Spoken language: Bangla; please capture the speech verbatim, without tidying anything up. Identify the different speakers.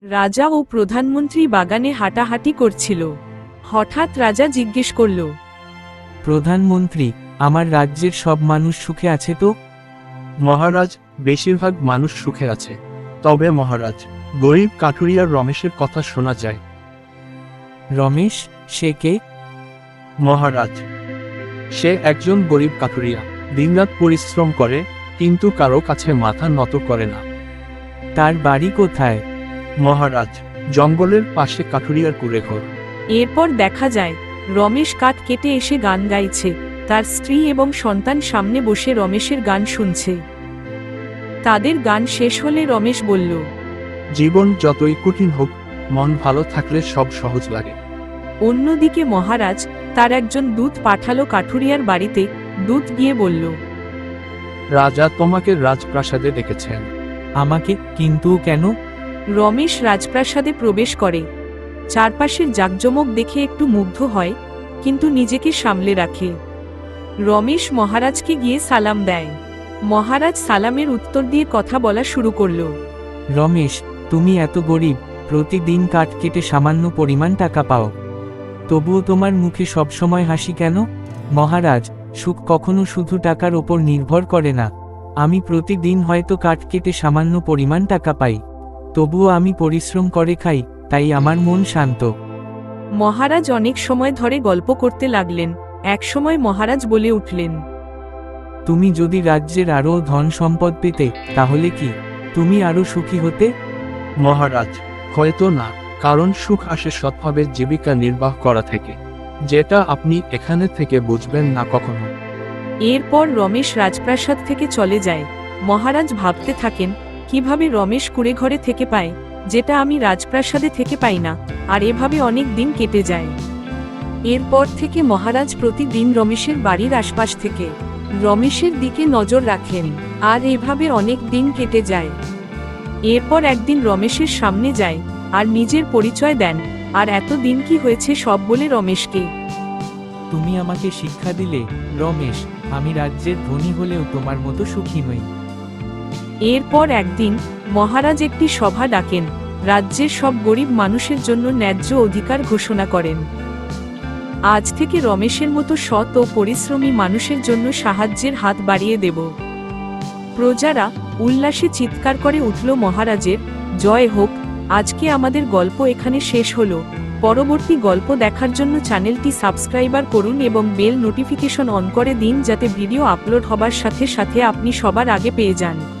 Speaker 1: রাজা ও প্রধানমন্ত্রী বাগানে হাঁটাহাঁটি করছিল। হঠাৎ রাজা জিজ্ঞেস করল,
Speaker 2: প্রধানমন্ত্রী, আমার রাজ্যের সব মানুষ সুখে আছে তো?
Speaker 3: মহারাজ, বেশিরভাগ মানুষ সুখে আছে। তবে মহারাজ, গরিব কাঠুরিয়ার রমেশের কথা শোনা যায়।
Speaker 2: রমেশ, সে কে?
Speaker 3: মহারাজ, সে একজন গরিব কাঠুরিয়া, দিনরাত পরিশ্রম করে, কিন্তু কারো কাছে মাথা নত করে না।
Speaker 2: তার বাড়ি কোথায়?
Speaker 3: মহারাজ, জঙ্গলের পাশে কাঠুরিয়ার কুঁড়েঘর।
Speaker 1: এরপর দেখা যায় রমেশ কাঠ কেটে এসে গান গাইছে। তার স্ত্রী এবং সন্তান সামনে বসে রমেশের গান শুনছে। তাদের গান শেষ হলে রমেশ বলল,
Speaker 3: জীবন যতই কঠিন হোক, মন ভালো থাকলে সব সহজ লাগে।
Speaker 1: অন্যদিকে মহারাজ তার একজন দূত পাঠালো কাঠুরিয়ার বাড়িতে। দূত গিয়ে বলল,
Speaker 3: রাজা তোমাকে রাজপ্রাসাদে ডেকেছেন।
Speaker 2: আমাকে? কিন্তু কেন?
Speaker 1: রমেশ রাজপ্রাসাদে প্রবেশ করে। চারপাশের জাঁকজমক দেখে একটু মুগ্ধ হয়, কিন্তু নিজেকে সামলে রাখে। রমেশ মহারাজকে গিয়ে সালাম দেয়। মহারাজ সালামের উত্তর দিয়ে কথা বলা শুরু করল।
Speaker 2: রমেশ, তুমি এত গরিব, প্রতিদিন কাঠ কেটে সামান্য পরিমাণ টাকা পাও, তবুও তোমার মুখে সবসময় হাসি কেন? মহারাজ, সুখ কখনো শুধু টাকার ওপর নির্ভর করে না। আমি প্রতিদিন হয়তো কাঠ কেটে সামান্য পরিমাণ টাকা পাই, তবুও আমি পরিশ্রম করে খাই, তাই আমার মন শান্ত।
Speaker 1: মহারাজ অনেক সময় ধরে গল্প করতে লাগলেন। এক সময় মহারাজ বলে উঠলেন,
Speaker 2: তুমি যদি রাজ্যের আরও ধন সম্পদ পেতে, তাহলে কি তুমি আরও সুখী হতে?
Speaker 3: মহারাজ, হয়তো না, কারণ সুখ আসে সৎভাবে জীবিকা নির্বাহ করা থেকে, যেটা আপনি এখানে থেকে বুঝবেন না কখনো।
Speaker 1: এরপর রমেশ রাজপ্রাসাদ থেকে চলে যায়। মহারাজ ভাবতে থাকেন, কিভাবে রমেশ কুঁড়ে ঘরে থেকে পায়, যেটা আমি রাজপ্রাসাদে থেকে পাই না। আর এভাবে অনেক দিন কেটে যায়। এরপর থেকে মহারাজ প্রতিদিন রমেশের বাড়ির আশপাশ থেকে রমেশের দিকে নজর রাখেন। আর এভাবে অনেক দিন কেটে যায়। এরপর একদিন রমেশের সামনে যায় আর নিজের পরিচয় দেন। আর এত দিন কি হয়েছে সব বলে রমেশকে।
Speaker 2: তুমি আমাকে শিক্ষা দিলে রমেশ, আমি রাজ্যের ধনী হলেও তোমার মতো সুখী নই।
Speaker 1: এরপর একদিন মহারাজ একটি সভা ডাকেন। রাজ্যের সব গরিব মানুষের জন্য ন্যায্য অধিকার ঘোষণা করেন। আজ থেকে রমেশের মতো সৎ ও পরিশ্রমী মানুষের জন্য সাহায্যের হাত বাড়িয়ে দেব। প্রজারা উল্লাসে চিৎকার করে উঠল, মহারাজের জয় হোক। আজকে আমাদের গল্প এখানে শেষ হলো। পরবর্তী গল্প দেখার জন্য চ্যানেলটি সাবস্ক্রাইবার করুন এবং বেল নোটিফিকেশন অন করে দিন, যাতে ভিডিও আপলোড হবার সাথে সাথে আপনি সবার আগে পেয়ে যান।